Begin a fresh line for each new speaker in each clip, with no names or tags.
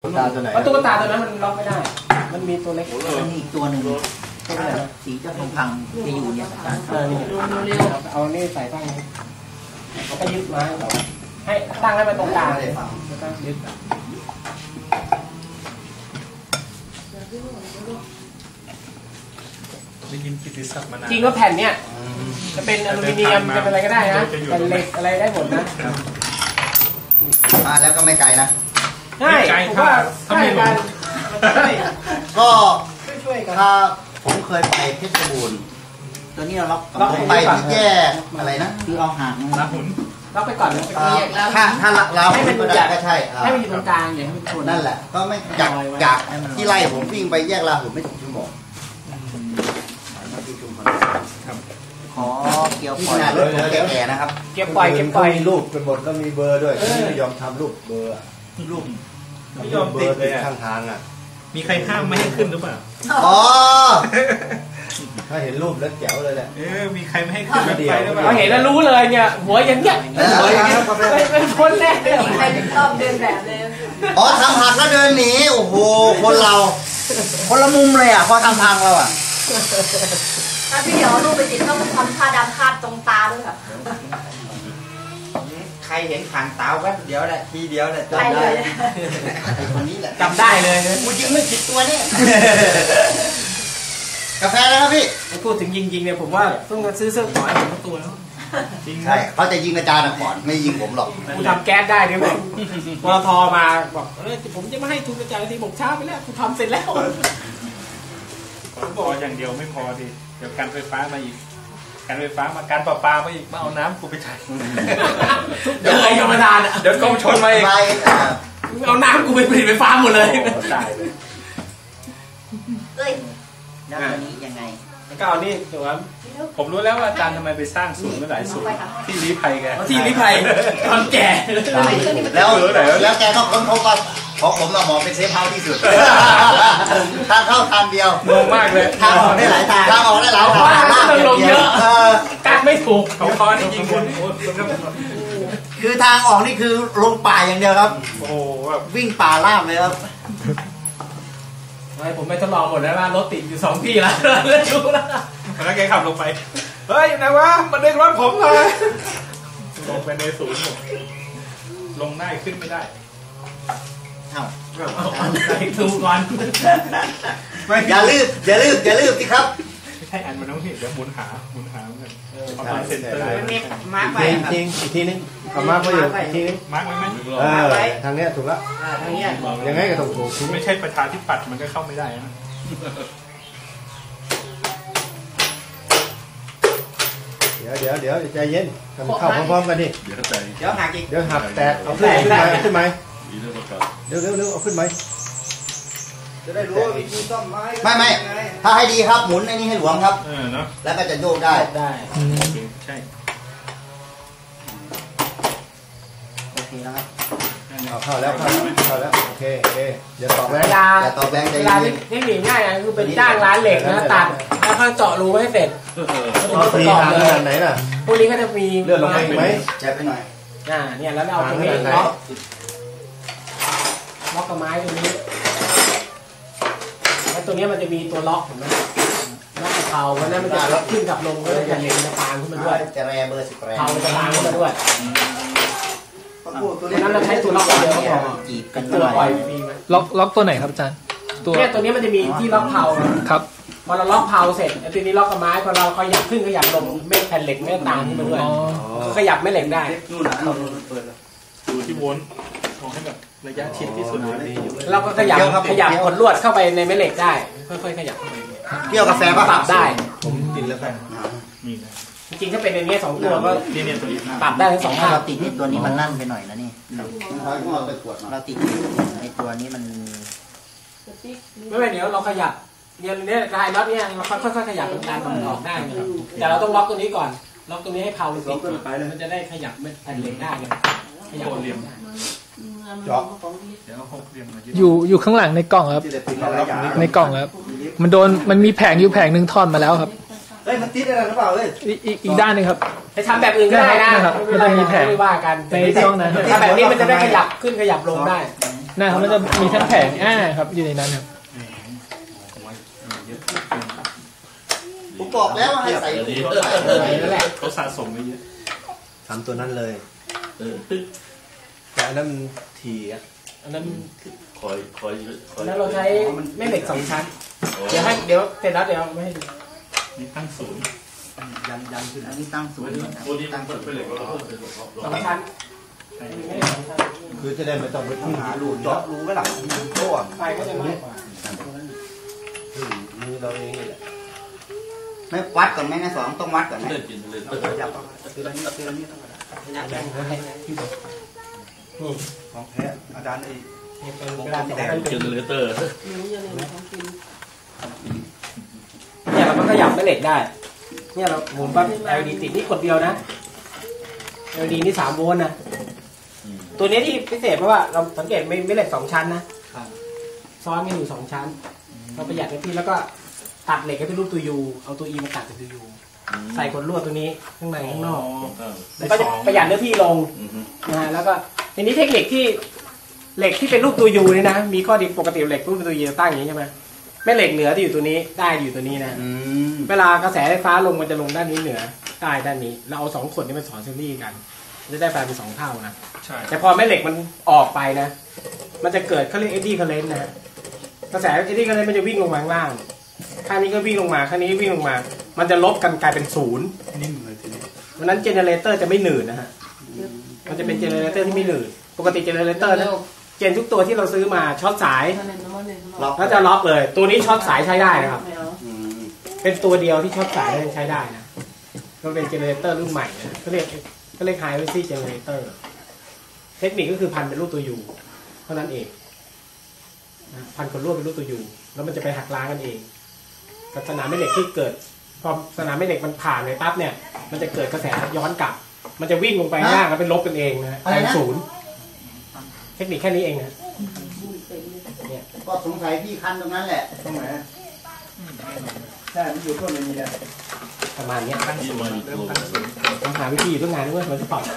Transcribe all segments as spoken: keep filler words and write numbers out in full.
ตุ๊กตาตัวไหน
ตุ๊กตาตัวนั้นมันล็อกไม่ได้มันมีตัวเล็ก
มันมีอีกตัวหนึ่งสีเจ้าทองพังจะอยู่เนี่ยอาจารย์
เอานี่ใส่ตั้งนี้เขาก็ยึดมาให้ตั้งให้มันตรงกลางเลยยึด
ได้ยินกิตติศักดิ์มานาน
จริงก็แผ่นเนี้ยจะเป็นอลูมิเนียมจะเป็นอะไรก็ได้นะเป็นเหล็กอะไรได้หมดนะ
มาแล้วก็ไม่ไกลนะ
ใช่ผมว่าใช่กัน
ก็ถ้าผมเคยไปเพชรบูรณ์ตัวนี้เราล็อกผมไปที่แยกอะไรนะคือเอาหาง
ลาหุน
ล็อกไปก่อน
ถ้าถ้าเรา
ให้มันจัด
ก็ใช่
ให้มันอยู่ตรงกลางอย่างให้มันชน
นั่นแหละก็ไม่จากจากที่ไล่ผมวิ่งไปแยกลาหุนไม่ถึงชั่วโมงขอเกี่ยวปล่อยรถแก่ๆนะครับ
เก็บปล่อยเก็บปล่อย
รูปเป็นบทก็มีเบอร์ด้วยไม่ยอมทำรูปเบอร์
รูป
ไม่ยอมติดเลย
ข้างทางอ่ะ
มีใครห้ามไม่ให้ขึ้นหรือเปล่า
อ๋อ
ถ้าเห็นรูปแล้วแจ๋วเลยแหละ
เออมีใครไม่ให้ขึ้นไปหรือเปล่า
เราเห็นแล้วรู้เลยเนี่ยหัวอย่างเงี้ยหัวอย่างเงี้ยเป็นคนแรกเลย
ใครถึงชอบเดินแบบเลย
อ๋อทำหักแล้วเดินหนีโอ้โหคนเราคนละมุมเลยอ่ะพอทำทางเราอ่ะ
ถ้าพี่เดี๋ยวรูปไปติดต้องทำผ้าดำคาดตรงตาด้วยค่ะ
ใครเห็นผ่านตาแวบเดียวแหละทีเดียวแหละจำได้คนนี้แหละ
จำได้เลย
กูยิงไม่ผิดตัวนี่กาแฟนะครับพี่
พูดถึงยิงยิงเนี่ยผมว่าต้องซื้อเสื้อขอยผมตัวแล้ว
ใช่เขาจะยิงอาจารย์ก่อนไม่ยิงผมหรอก
กูทำแก๊สได้ด้วยมั้ยปตทมาบอกเออผมจะไม่ให้ทุนอาจารย์ทีผมช้าไปแล้วกูทำเสร็จแล้ว
บอกอย่างเดียวไม่พอดิเดี๋ยวการไฟฟ้ามาอีกการไฟฟ้ามาการประปามาอีกมาเอาน้ำกูไปใช้
เดี๋ยวไอ้ธรรมดา
เดี๋ยวกองชนมาอีก
เอาน้ำกูไปผลิตไฟฟ้าหมดเลย
ตายเลย
เอ้ย
แล้ววันนี้ยังไง
ก็เอานี่ถูกไหม
ผมรู้แล้วว่าอาจารย์ทำไมไปสร้างศูนย์หลายศูนย์ที่ลี้ภัยแก
ที่ลี้ภัยตอนแก่
แล้วแล้วแกก็ค้นพบว่าของผมเราหมอเป็นเซฟเฮาส์ที่สุดทางเข้าทางเดียว
งงมากเลย
ทางออกได้หลายทางทางออกได้หลายทาง
ต้องลงเยอะการไม่ถูก
เขาคอนจริงคุณ
คือทางออกนี่คือลงป่าอย่างเดียวครับ
โอ้โห
วิ่งป่าลาบเลยครับ
ผมไปทดลองหมดแล้วว่ารถติดอยู่สองที่แล้วแล้วดูแล้ว
แล้วแกขับลงไปเฮ้ยไหนวะมันเด้งรถผมเลยลงไปในศูนย์ลงได้ขึ้นไม่ได้
เอ้า
ดูก่อน
อย่าลืมอย่าลืมอย่าลืมสิครับ
ไม่ใช่อันมันต้องเห็นเดี๋ยวหมุนหาหมุนหาเหมือนกันประมาณเซนเตอร์
มาร์กไป
จริงอีกทีนึงเอามาร์กไปอยู่อีกทีนึง
มาร์กไว้ไหม
เออทางเนี้ยถูกแล้ว
ทางเนี้ย
ยังไงก็ต้องถูก
ไม่ใช่ประชาธิปัตย์มันก็เข้าไม่ได้นะ
เดี๋ยวเดี๋ยวเดี๋ยวใจเย็นทำเข้าพร้อมๆกันดิ
เดี๋ยวใจเดี๋ยวหักอีก
เดี๋ยวหักแตกเอาขึ้นขึ้นไหมขึ้นไหมเร็วเร็วเร็วเอาขึ้นไหม
จะได้รู้ว่าวิธีซ่อมไม้ไม่ไม่ถ้าให้ดีครับหมุนไอ้นี่ให้หลวมครับ
เออเนาะ
แล้วก็จะโยกได้
ได้
ใช่
โอเคนะครับ
เอาเข้าแล้วเข้าแล้วโอเคโอเคอย่าตอกแรง
อย่าตอกแรงใจเย็น
เทคนิคง่ายนะคือเป็นจ้างร้านเหล็กนะตัดแล้วก็เจาะรูให้เสร็จ
มีทางขนาดไหนล่ะ
พวกนี้ก็จะมี
เลื่อนลงไปไหม
แจ็บไปหน่อย
อ่าเนี่ยแล้วเอาตรงนี้ล็อกล็อกกับไม้ตรงนี้แล้วตัวนี้มันจะมีตัวล็อกเห็นไหมล็อกกับเผาเพราะนั้นมันจะล็อกขึ้นกับลงก็จะเล็งจะปางขึ้นมาด้วย
จะแรเบอร์สิบแร
เผาจะปางขึ้นมาด้วยเพราะนั้นเราใช้ตัวล็อกเดียวก็พอ
จีบกัน
ตัวปล่อยฟรีไหม
ล็อกล็อกตัวไหนครับอาจารย์
ตัวเนี่ยตัวนี้มันจะมีที่ล็อกเผา
ครับ
พอเราล็อกเผาเสร็จไอ้ตัวนี้ล็อกกับไม้พอเราขยับขึ้นขยับลงเม็ดแผ่นเหล็กเม็ดตางขึ้นมาด้วยขยับไม่เหล็กได้
นู่นนะดูที่วนมองให้แบบระยะชิดที่สุดเลย
เราก็ขยับขยับขดลวดเข้าไปในแม่เหล็กได้ค่อยๆขยับเข้าไป
เกี่ยวกาแฟป่ะ
ปรับได้
ผมกินแล้วกัน
นี่นะ
จริงๆถ้าเป็นอย่างนี้สองตัวก็ปรับได้ทั้งสอง
ข้างเราติดที่ตัวนี้มันนั่นไปหน่อยนะนี่เราติดในตัวนี้มัน
ไม่เป็นเดี๋ยวเราขยับเนี่ยเนี่ยกายน็อตเนี่ยเราค่อยๆขยับเป็นการมันออกได้นะครับแต่เราต้องล็อกตัวนี้ก่อนล็อกตัวนี้ให้เผาติดมันจะได้ขยับแผ่นเหล็กได้เลยขยับเหลี่ยม
เจาะ
อยู่อยู่ข้างหลังในกล่องครับในกล่องครับมันโดนมันมีแผงอยู่แผงหนึ่งท่อนมาแล้วครับ
เฮ้ยมันติดอะไรหรือเปล่าเฮ้ย
อีกอีกด้านนึงครับ
ให้ทำแบบอื่นก็ได้นะครับ
มันจะมีแผง
ไม่ว่ากัน
ในช่วงนั้น
ถ้าแบบนี้มันจะได้ขยับขึ้นขยับลงได้
นะครับมันจะมีทั้งแผงอ่าครับอยู่ในนั้นครับ
ผมบอกแล้วว่าให้ใส่ลูก
นั่นแหละ
เขาสะสมไว้เยอะ
ทำตัวนั้นเลยแต่อันนั้นมันทีอ่ะ
อันนั้น
คอยคอยคอย
แล้วเราใช้แม่เหล็กสองชั้นเดี๋ยวให้เดี๋ยวเสร็จแล้วเดี๋ยวไม่ให้ดู
นี่ตั้งศูนย์
ยันยันขึ้นอันนี้ตั้งศูนย์
ตัวนี้ตั้งเป็นเหล็กเราเพิ่มเป็นหล
สองชั้น
คือจะได้ไม่ต้องไปทุ่ง
หารูเจาะรูไว้หลังโต้
ไฟก็จะมากกว่า
มือเราเองนี่แหละ
ไม่วัดก่อนไหมนะสองต้องวัดก่อนไหม
เล่นกินเลย
จับทีละนิดทีละนิด ของแท้อาจารย์ไอ้
เป็นกระดาษสีแดง
เจเนเรเตอร์
เนี่ยเราก็ขยับแม่เหล็กได้เนี่ยเราหมุนปั๊บ แอล อี ดี ติดนี่กดเดียวนะ แอล อี ดี นี่สามโวลต์นะตัวนี้ที่พิเศษเพราะว่าเราสังเกตไม่ไม่เหล็กสองชั้นนะซ้อนกันอยู่สองชั้นเราประหยัดในที่แล้วก็ตัดเหล็กให้เป็นรูปตัวยูเอาตัวอีมาตัดเป็นตัวยูใส่ขนลวดตัวนี้ข้างในข้างนอกก็จะประหยัดเนื้อที่ลงนะฮะแล้วก็ทีนี้เทคนิคที่เหล็กที่เป็นรูปตัวยูนี่นะมีข้อดีปกติเหล็กรูปตัวยูตั้งอย่างนี้ใช่ไหมแม่เหล็กเหนือที่อยู่ตัวนี้ได้อยู่ตัวนี้นะเวลากระแสไฟฟ้าลงมันจะลงด้านนี้เหนือใต้ด้านนี้เราเอาสองขดนี้มาสอนซีรีส์กันจะได้แปลเป็นสองเท่านะ
ใช่
แต่พอแม่เหล็กมันออกไปนะมันจะเกิดเขาเรียกเอ็ดดี้เคอร์เรนต์นะกระแสเอ็ดดี้เคอร์เรนต์มันจะวิ่งลงมาข้างล่างข้างนี้ก็วิ่งลงมาข้างนี้วิ่งลงมามันจะลบกันกลายเป็นศูนย์นิ่มเลยทีนี้เพราะนั้นเจเนเรเตอร์จะไม่หนืดนะฮะมันจะเป็นเจเนเรเตอร์ที่ไม่หนืดปกติเจเนเรเตอร์นะเจนทุกตัวที่เราซื้อมาช็อตสายแล้วจะล็อกเลยตัวนี้ช็อตสายใช้ได้นะครับเป็นตัวเดียวที่ช็อตสายใช้ได้นะมันเป็นเจเนเรเตอร์รุ่นใหม่นะเขาเรียกเขาเรียกไฮเวซี่เจเนเรเตอร์เทคนิคก็คือพันเป็นรูปตัวยูเท่านั้นเองพันคนรวบเป็นรูปตัวยูแล้วมันจะไปหักล้างกันเองกับสนามแม่เหล็กที่เกิดพอสนามแม่เหล็กมันผ่านเลยปั๊บเนี่ยมันจะเกิดกระแสย้อนกลับมันจะวิ่งลงไปข้างล่างแล้วเป็นลบกันเองนะเป็นศูนย์เทคนิคแค่นี้เองนะเนี่ย
ก็สงสัยพี่คันตรงนั้นแหละตรงไหนใช่มันอยู่ต้นนี้แหละ
ประมาณนี้
ที่มาอีกตัว
ต้องหาวิธีอยู่ตั้งนานด้วยมันจะปรับ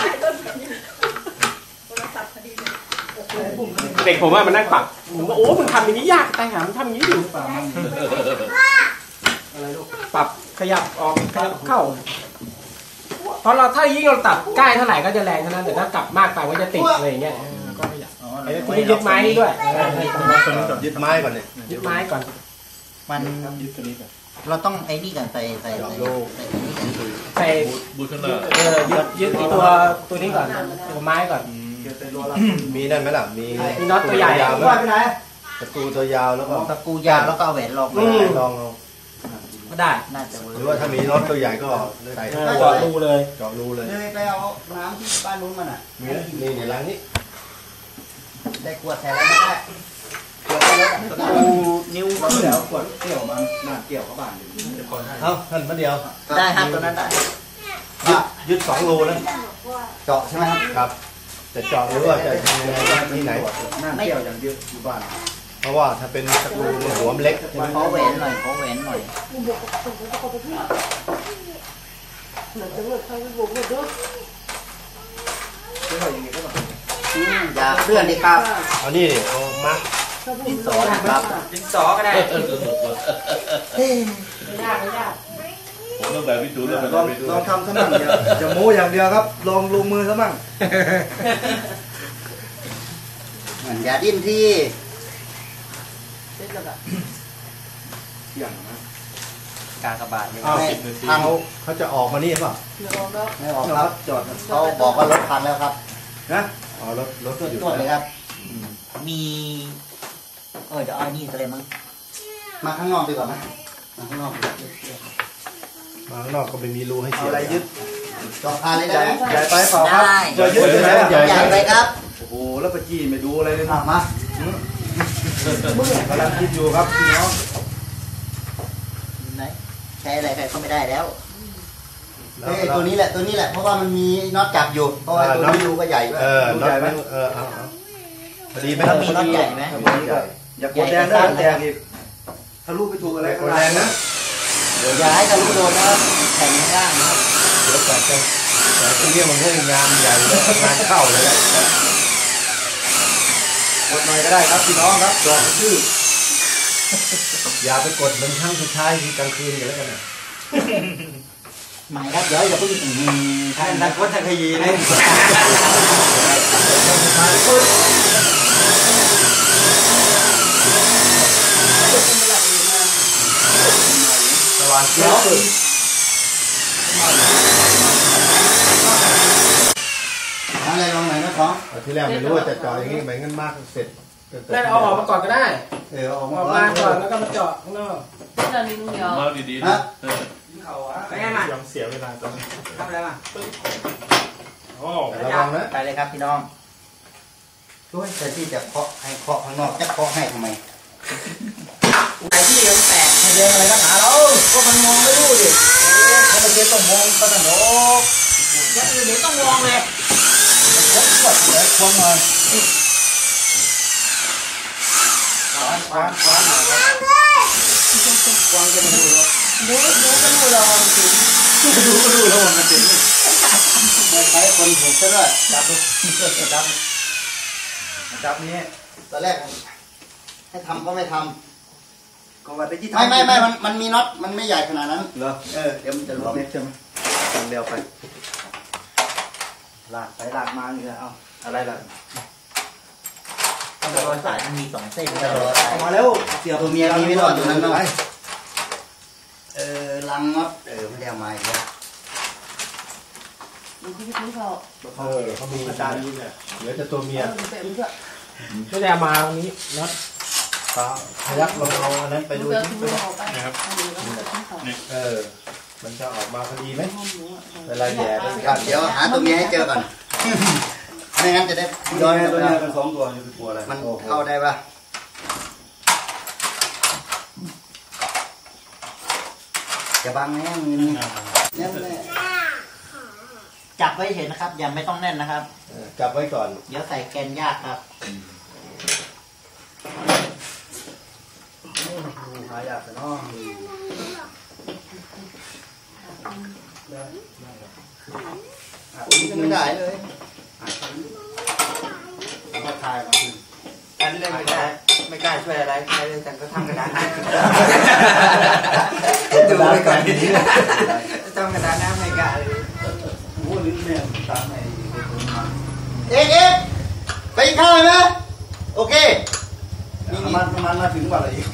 เด็กผมว่ามันนั่งปรับผมว่าโอ้มึงทำอย่างนี้ยากตายหามึงทำอย่างนี้อยู่ปรับขยับออกขยับเข้าเพราะเราถ้ายิ่งเราตัดใกล้เท่าไหร่ก็จะแรงเท่านั้นแต่ถ้ากลับมากไปก็จะติดอะไรอย่างเงี้ยก็ขยับคุณยึดไม้นี่ด้วย
ยึดไม้ก่อนเลย
ยึดไม้ก่อน
มันเราต้องไอ้นี่กันใส่ใส่ใส่
ใส่
บูชนา
เออยึดยึดตัวตัวนี้ก่อนตัวไม้ก่อน
มีนั่นไหมล่ะมี
มีน็อตตัวใหญ่
ยาว
ว่าไปไหน
ตะปูตัวยาวแล้วก็
ตะกูยาวแล้วก็เอาแหวนลอง
ลองเอา
ก็ได้
น่าจะเวิร์
หรือว่าถ้ามีน็อตตัวใหญ่ก็ใส่
เจาะรูเลย
เจาะรูเลย
เลยไปเอาน้ำที่บ้านนู้นมันอ่ะ
มีนี่ในร้านนี้
ได้ขวดแทนแล้วไม่ได้ขวดแล้วตะกูนิ้วขึ้นแล้วขวดเกี่ยวมันหน้าเกี่ยวเข้าบ้าน
เอ้าท่านมาเดียว
ได้ครับตัวนั้นได้
ยึดยึดสองรูแล้ว
เจาะใช่ไหมครับ
ครับจะเจาะหรือว่าจะทำยังไงที่ไหน
หน้าเกี่ยวอย่างเดียวอยู่บ้าน
เพราะว่าถ้าเป็นตะปูมันหัวมันเล็ก
ขอแหวนหน่อยขอแหวนหน่อยอย่าเพื่อนดิครับ
เอานี่เอามา
ดินสอนะครับ
ดินสอก็ได้
ไม่ยากไม่ยาก
ผมต้องแบบวิจูแล้ว
ลองลองทำซะมั่งอย่าอย่าโม้อย่างเดียวครับ ลองลงมือซะมั่ง
อย่าดิ้นที่
อย่างนะ
กากบาทยัง
เอา
ไม่
ทางเขาเขาจะออกมานี่เปล่า
ไม่ออกครับจอดเขาบอกว่ารถพังแล้วครับ
นะ
อ๋อรถรถก็อยู่
ตรวจเลยครับ มีเออจะเอานี่อะไรมั้งมาข้างนอกดีกว่าไหมมาข้างนอก
มาข้างนอกก็ไม่มีรูให้
เอา
เสียบ
อะไรยึด
จอดพาเลยได้ไหม
ใหญ่ไปเปล่าครับ
ได้
จะยึดเลยนะ
ใหญ่ไปครับ
โอ้โหแล้วปะจี้ไม่ดูอะไรเลย
อ่ะมา
กำลังคิดอยู่ครับพี่น้อง
ไหนใช้อะไรใครก็ไม่ได้แล้ว
แล้
เฮ้
วย
ตัวนี้แหละตัวนี้แหละเพราะว่ามันมีน็อตจับอยู่เพราะว่าตัวนี้รูก็ใหญ่ด้วย
เออน็อตมันเออเอาเอาพอดีไหม
แล้วมีน็อตใหญ่ไหม
อย่ากดแดงได้แตกอีกทะลุไปถูกอะไร
กดแรงนะ
อย่าให้ทะลุโดนนะครับแข็งข้างล่างนะครับ
เดี๋ยวแต่จะแต่ตรงนี้มันให้งานใหญ่เลยงานเข้าเลยแหละ
กดหน่อยก็ได้ครับพี่น้องครับจอดชื่ออย่าไปกดมันครั้งสุดท้ายทีกลางคืนกันแล้วกันนะ
หมายครับเดี๋ยวอย่าเพิ่งท่านนักวัฒนคดีเลย
สว่างเขียว
อะไรลองหน่อยนะของ
ที่แรกไม่รู้ว่าจะเจาะอย่างนี้เหมือนกันมากเสร็จ
นั่นเอาออกมาก่อนก็ได้
เออออก
มาก่อนแล้วก็มาเจาะข้างนอก
เราลิ้นเดียว
มาดีๆนะ
ไปไงมาย
อมเสียเวลาตรงนี้
ทำอะไรมา
โอ้
ระวังนะ
ไปเลยครับพี่น้องด้วยแต่ที่จะเคาะให้เคาะข้างนอกจะเคาะให้ทำไม
ไอ้ที่เลี้ยงแตก
ให้เลี้ยงอะไรนักหนาเราก็มันมองไม่รู้ดิถ้าเราเจอต้องมองก็ต้องโดก
อย่างอื่นเดี๋ยวต้องมองเลย
ควักควักเลยควักหน่อยคว้านคว้านคว้านหน่อยคว้านจะมาดูแล้ว
ดูดูก็ดูเราจริง
ดูก็ดูแล้วมันจริงไม่ใช่คนถูกซะด้วยจับดูจับจับนี้ตอนแรกให้ทำก็ไม่ทำก็ว่าไปที่ทำไม่ไม่ไม่มันมันมีน็อตมันไม่ใหญ่ขนาดนั้นเหรอเออเดี๋ยวมันจะลงใช่ไหมทำเร็วไปลากไปลากมาอย่างเงี้ยเอาอะไรล่ะ
ต้องรอสายมันมีสองเส้น
เอามาแล้วเสียตัวเมียมีไม่รอดอยู่นั้นเนาะเออลังน็อตเออไม่ได้เอามาอีกแล้ว
มันคือที่เขา
เออเขามีอาจารย์นี่เนี่ยเดี๋ยวจะตัวเมีย
ไม่ได้มาตรงนี้น็อต
ปลาพยักลองเอาอันนั้นไปดู
นะครับ
เออมันจะออกมาพอดีไหมเวลาแย่
เดี๋ยวหาตัวเมียให้เจอก่อนไม่งั้นจะได้
ย้อนตัวเมียเป็นสองตัวอยู่เป็นตัวอะไร
มันเข้าได้ปะจะบังแน่นแน่นเลยจับไว้เห็นนะครับอย่าไม่ต้องแน่นนะครับ
จับไว้ก่อน
เดี๋ยวใส่แกนยากครับหายากแต่น้องไม่ได้เลยมาถ่ายมาคืนอันนี้ไม่ได้ไม่กล้าช่วยอะไรใครเลยแต่ก็ทำกระดาษดูไปก่อนทำกระดาษน้ำไม่กล้าเลยโอ้ลิ้นแม่ตามไหนเอ๊ะเอ๊ะไปข้าวไหมโอเคนี่มันมันมาถึงวันอะไรอีก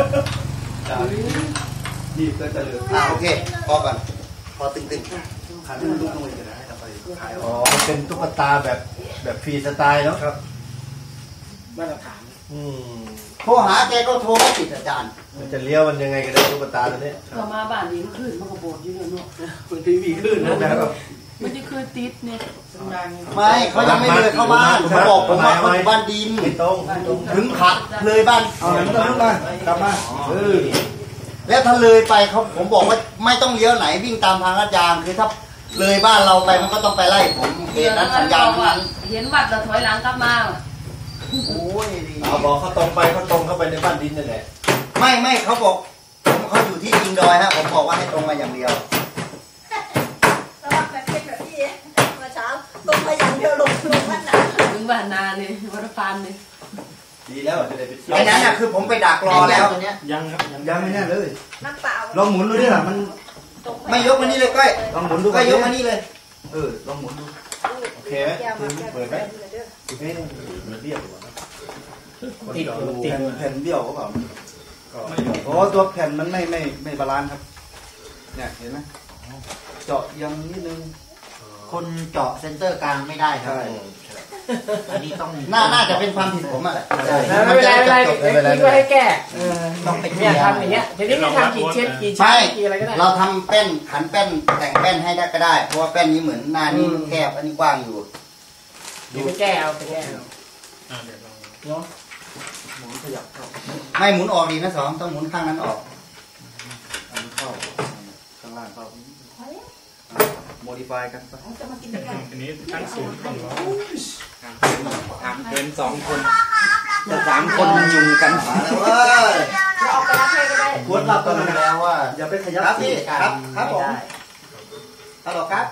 นี่ก็จะเหลืออ่าโอเคพอก่อนพอตึงๆขาดมันลุกลงไปจะได้ไปขายอ๋อ
เป็นตุ๊กตาแบบแบบฟรีสไตล์เนาะครับ
มาตรฐาน
อืม
โทรหาแกก็โทรไม่ติดอาจารย์
มันจะเลี้ยวมันยังไงกันได้ตุ๊กตาตัวนี้
ต่อมาบ้านนี้มันขึ้นมันก็โบดอยู่เนาะ
คุณทีวีขึ้นนะครับ
มันจะคือติดเนี่ย
ไม่เขายังไม่เลยเข้าบ้านเขาบอกผมว่าเขาอยู่บ้านดิน
ตรง
ถึงขัดเลยบ้าน
เอาหนังตรงมากลับมาเออ
แล้วถ้าเลยไปเขาผมบอกว่าไม่ต้องเลี้ยวไหนวิ่งตามทางอาจารย์คือถ้าเลยบ้านเราไปมันก็ต้องไปไล่ผมเหตุนั้นสัญญาณนั้น
เห็นวัดเราถอยหลังกลับมา
โอ้ย
เอาบอกเขาตรงไปเขาตรงเข้าไปในบ้านดินนั่นแหละ
ไม่ไม่เขาบอกเขาอยู่ที่อิงดอยฮะผมบอกว่าให้ตรงมาอย่างเดียว
แล้วแบบเป็นแบบพี่เมื่อเช้าตรงมาอย่างเดียวลงลงบ้านนาถึงบ้านนาเลยวัดฟานเลย
ดีแล้วจะได้ไปเที่ยว
ไอ้นั้นน่ะคือผมไปดักรอแล้วตัวเนี้ย
ยังครับยังไม่แน่เลย
น้ำเปล่า
ลองหมุนดูดิล่ะมัน
ไม่ยกมานี่เลยก้อย
ลองหมุนดู
ก้อยยกมานี่เลย
เออลองหมุนดูโอเคไหมเปิดไหมเฮ้ยมันเรียบกว่า
ติด
ติดแผ่นเบี้ยวเขาเปล่าโอ้ตัวแผ่นมันไม่ไม่ไม่บาลานซ์ครับเนี่ยเห็นไหมเจาะยังนิดนึง
คนเจาะเซนเตอร์กลางไม่ได้ครับอันนี้ต้องน่าน่าจะเป็นความผิดผมอ่ะ
ไม่เป็นไรไม่เป็นไรคิดว่าให้แก้ต้องไปเนี่ยทำอย่างเงี้ยทีนี้ไม่ทำกี่เช็ดกี่ชั้นกี่อะไรก็ได้
เราทำแป้นขันแป้นแต่งแป้นให้ได้ก็ได้เพราะว่าแป้นนี้เหมือนหน้านี้แคบอันนี้กว้างอยู่
ดูไปแก้เอาไปแก้เอาเนาะ
หมุนขยับเข้าไม่หมุนออกดีนะสองต้องหมุนข้างนั้นออก
อันนี้เข้าข้างล่างเข้าโมดิฟายกัน
อันนี้ตั้งศูนย์ก่อนวะ
ทำเกินสองคนจะสามคนยุ่งกันมาแล้วว่า
จะออกไปรับให้ก็ได้
กดรับกันแล้วว่าอย่าไปขยับพี่ครับครับผมฮัลโหลครับ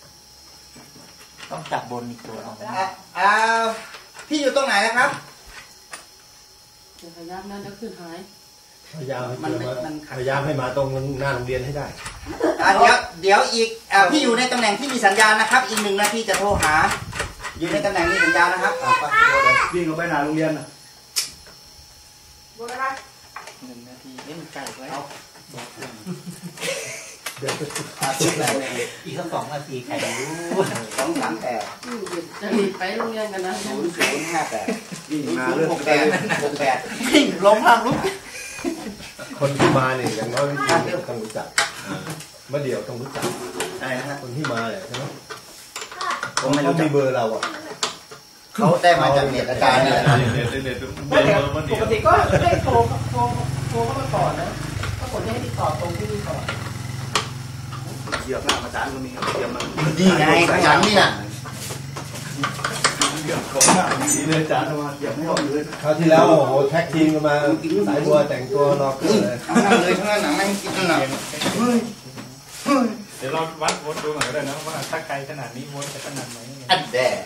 ต้องจับบนอีกตัวอ่าพี่อยู่ตรงไหนนะครับ
พยายามนั่นจะขึ้นหาย
พยายามมันพยายามให้มาตรงหน้าโรงเรียนให้ได้
อ่ะเดี๋ยวเดี๋ยวอีกอ่ะพี่อยู่ในตำแหน่งที่มีสัญญาณนะครับ อีกหนึ่งนาทีจะโทรหา อยู่ในตำแหน่งที่สัญญาณนะครับอ่ะไปวิ่งลงไปหน้าโรงเรียนนะหนึ่งนาทีเล่นไก่ไว้เอาอีกสักสองนาทีใครรู้สองสามแปด
จะรีบไปโรงเรียนกันนะ
ศูนย์ศูนย์ห้าแปดวิ่งมาเรื่องหกแปดหกแปดวิ่งล้มทางลุก
คนที่มาเนี่ยอย่างน้อยต้องรู้จักเมื่อเดียวต้องรู้จัก
ใช่นะ
คนที่มาเนี่ยใช่ไหมเขาไม่รู้มีเบอร์เราอ่ะ
เขาได้มาจากเน็ตอาจารย์เนี่ย
เน็ตเน็ต
ปกติก็ได้โทรโทรโทรเข้ามาก่อนนะก็ผลให้ติดต่อตรงที่นี่ก่อน
เหยียบหน้าอาจารย์ก็มีเหยียบมัน
นี่ไงอาจารย์นี่น่ะ
เหยียบของหน้าสีเลยอาจารย์มาเหยียบไม่ออกเลย
คราวที่แล้วโอ้โหแท็กทีมกันมาสายบัวแต่งตัวรอเกินเลย
ทั้งนั้นเลยทั้งนั้นหนังไม่กินนั่นน่ะ
เดี๋ยวเราวัดวนดูหน่อยก็ได้นะว่าถ้าไกลขนาดนี้วนจะขนาดไหน
อันแดด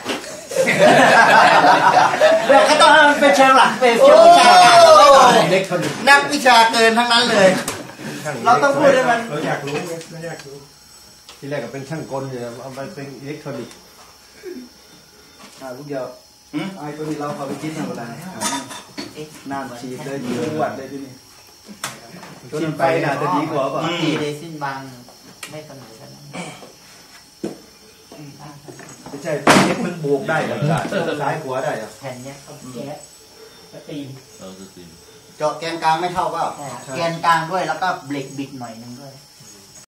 เดี๋ยวก็ต้องเป็นเชิงหลักเป็นเชิงวิชาการนักวิชาเกินทั้งนั้นเลยเราต้องพูดให้มัน
เราอยากรู้เราอยากรู้ที่แรกก็เป็นช่างกลอยู่เอาไปเป็นอิเล็กทรอนิกส์
อ่าลูกเดียวไอ้ตัวนี้เราเอาไปกินทำอะไรน้ำฉีดเลยดีกว่าเลยที่นี่กินไปน่าจะดีกว่าป่ะ
ดีเลยสิ้นบางไม่เสมอกัน
ไม่ใช่เอ็กมันบวกได้หรอซ้ายขวาได้หรอ
แผ่นเนี้ยเขาแก๊ส
สตีม
เราสตีม
เจาะแกนกลางไม่เท่าเปล่าแกนกลางด้วยแล้วก็เบรกบิดหน่อยนึงด้วย